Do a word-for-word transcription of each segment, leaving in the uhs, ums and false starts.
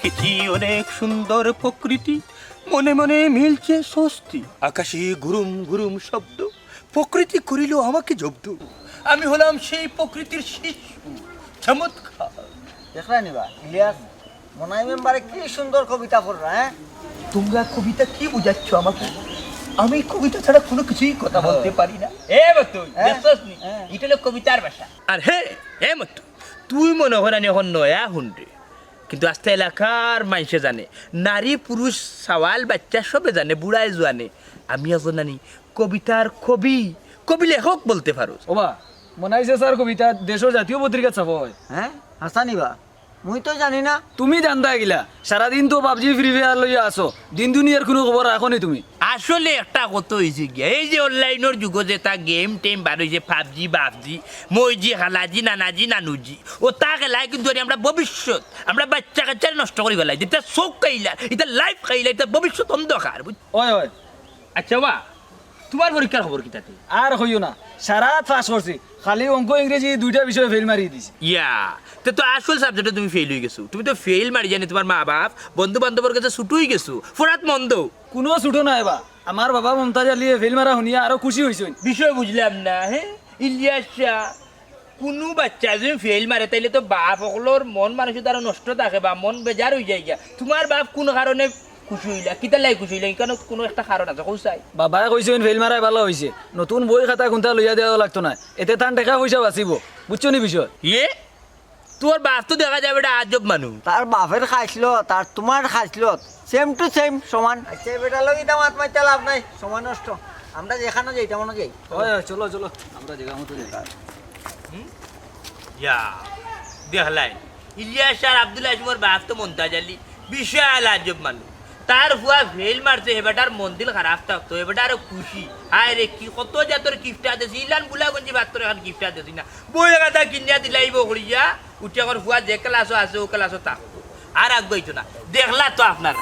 দেখেছি অনেক সুন্দর প্রকৃতি, মনে মনে মিলছে স্বস্তি। আকাশে গুরুম গুরুম শব্দ, প্রকৃতি করিল আমাকে জব্দ। আমি হলাম সেই প্রকৃতির শিশু, চমৎকার। দেখলা নিবা ইলিয়াস মনাই মেম্বারে কি সুন্দর কবিতা পড়রা। হ্যাঁ তোমরা কবিতা কি বুঝাচ্ছ আমাকে? আমি কবিতা ছাড়া কোনো কিছুই কথা বলতে পারি না। এ মতুই দেখছস নি, এটা হলো কবিতার ভাষা। আর হে এ মতু, তুই মনে হয় না এখন নয়া হুন্ডে, কিন্তু আস্তে এলাকার মানুষে জানে, নারী পুরুষ সওয়াল বাচ্চা সবে জানে, বুড়াই জানে আমি এখন জানি কবিতার কবি, কবি লেখক বলতে পারো। ওবা মনাইছে স্যার কবিতা দেশের জাতীয় পত্রিকা ছাপ হয়। হ্যাঁ হাসা নিবা মুই তো জানি না। তুমি জানতা গিলা সারাদিন তো পাবজি ফ্রি ফায়ার লইয়া আসো, দিন দুনিয়ার কোনো খবর রাখো নি তুমি। আসলে একটা কত হয়েছে গিয়া, এই যে অনলাইনের যুগ যে তা গেম টেম বার হয়েছে, পাবজি বাবজি মইজি খালাজি নানাজি নানুজি, ও তা খেলায় কিন্তু আমরা ভবিষ্যৎ আমরা বাচ্চা কাচ্চারে নষ্ট করে ফেলাই, এটা চোখ খাইলা, এটা লাইফ খাইলা, এটা ভবিষ্যৎ অন্ধকার। ওই ওই আচ্ছা বা তোমার পরীক্ষার খবর কি তাতে? আর হইও না, সারা পাস করছি, খালি অঙ্ক ইংরেজি দুইটা বিষয়ে ফেল মারি দিছি। ইয়া তে তো আসল সাবজেক্টে তুমি ফেল হয়ে গেছো, তুমি তো ফেল মারি জানি তোমার মা বাপ বন্ধু বান্ধবের কাছে ছুটুই গেছো, ফোরাত মন্দ। কোনো ছুটো নাই বা আমার বাবা মমতাজ আলিয়ে ফেল মারা শুনিয়া আরো খুশি হয়েছে। বিষয় বুঝলাম না। হ্যাঁ ইলিয়াস শাহ, কোনো বাচ্চা যদি ফেল মারে তাইলে তো বাপ সকলের মন মানুষ তারা নষ্ট থাকে বা মন বেজার হয়ে যায় গিয়া। তোমার বাপ কোন কারণে খুশি হইলা, কিতা লাই খুশি হইলা, কারণ কোনো একটা কারণ আছে কৌসাই। বাবাই কইছে ফেল মারাই ভালো হয়েছে, নতুন বই খাতা কোনটা লইয়া দেওয়া লাগতো না, এতে তান টাকা পয়সা বাঁচিব, বুঝছো নি বিষয়? ইয়ে তোর বাপ তো দেখা যাবে এটা আজব মানুষ। তার বাপের খাইছিল তার তোমার খাইছিল সেম টু সেম সমান। আচ্ছা বেটা লগি দামাত মাইতে লাভ নাই, সময় নষ্ট। আমরা যেখানে যাই তেমন যাই। ওই ওই চলো চলো আমরা জায়গা মতো যাই। ইয়া দেখলাই ইলিয়াস আর আব্দুল আজমর বাপ তো মন্তাজ আলী বিশাল আজব মানুষ। তার ফুয়া ফেল মারছে, হেবেটার মন দিল খারাপ থাকতো, হেবেটা আরো খুশি। আয় রে কি কত জাতর গিফট আদেছি, ইলান বুলা গঞ্জি বাত্তর এখন গিফট আদেছি না, বই কথা কিনিয়া দিলাইব করিয়া উঠে এখন ফুয়া যে ক্লাসও আছে ও ক্লাসও থাকতো, আর আগাইতো না। দেখলা তো আপনারা।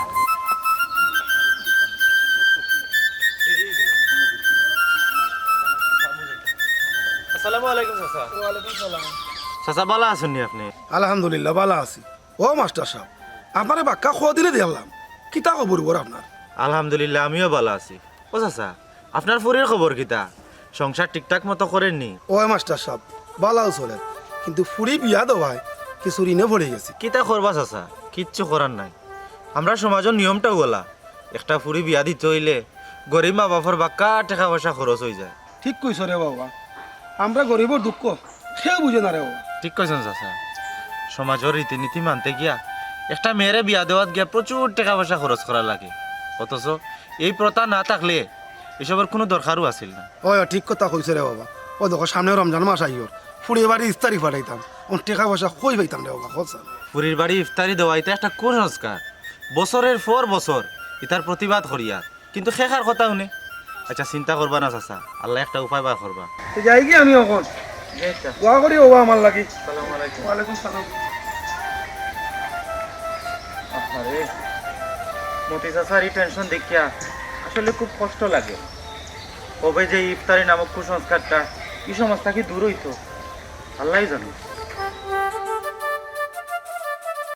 আসসালামু আলাইকুম চাচা। ওয়ালাইকুম সালাম। চাচা ভালো আছেন নি আপনি? আলহামদুলিল্লাহ ভালো আছি। ও মাস্টার সাহেব আপনারে বাক্কা খোয়া দিলে দেখলাম, কিতা খবর বর আপনার? আলহামদুলিল্লাহ আমিও ভালো আছি। ও চাচা আপনার ফুরির খবর কিতা? সংসার ঠিকঠাক মতো করেননি? ও মাস্টার সাহেব ভালো চলে, কিন্তু ফুরি বিয়া দেওয়ায় কিছু ঋণে পড়ে গেছে। কিতা করবা চাচা? কিচ্ছু করার নাই। আমরা সমাজের নিয়মটাও বলা, একটা ফুরি বিয়া দিতে হইলে গরিব মা বাপর বাক্কা টাকা পয়সা খরচ হয়ে যায়। ঠিক কইছ রে বাবা, আমরা গরিবর দুঃখ কেউ বুঝে না রে বাবা। ঠিক কইছেন চাচা, সমাজের রীতিনীতি মানতে গিয়া একটা মেয়েরে বিয়া দেওয়াত গিয়া প্রচুর টাকা পয়সা খরচ করা লাগে, অথচ এই প্রথা না থাকলে এসবের কোনো দরকারও আছিল না। ও ঠিক কথা কইছে রে বাবা। ও দেখো সামনে রমজান মাস আইর, ফুরি বাড়ি ইস্তারি পাঠাইতাম, ও টাকা পয়সা কই পাইতাম রে বাবা। খোঁজ পুরীর বাড়ি ইফতারি দেওয়া এটা একটা কুসংস্কার, বছরের পর বছর ইতার প্রতিবাদ করিয়ার, কিন্তু শেখার কথা শুনে। আচ্ছা চিন্তা করবা না চাচা, আল্লাহ একটা উপায় বার করবা। যাই কি আমি এখন দোয়া করি ও আমার লাগি। ওয়ালাইকুম সালাম। আরে মতি চাচার এই টেনশন দেখিয়া আসলে খুব কষ্ট লাগে। কবে যে ইফতারি নামক কুসংস্কারটা এই সমাজ থেকে দূর হইতো আল্লাহই জানে।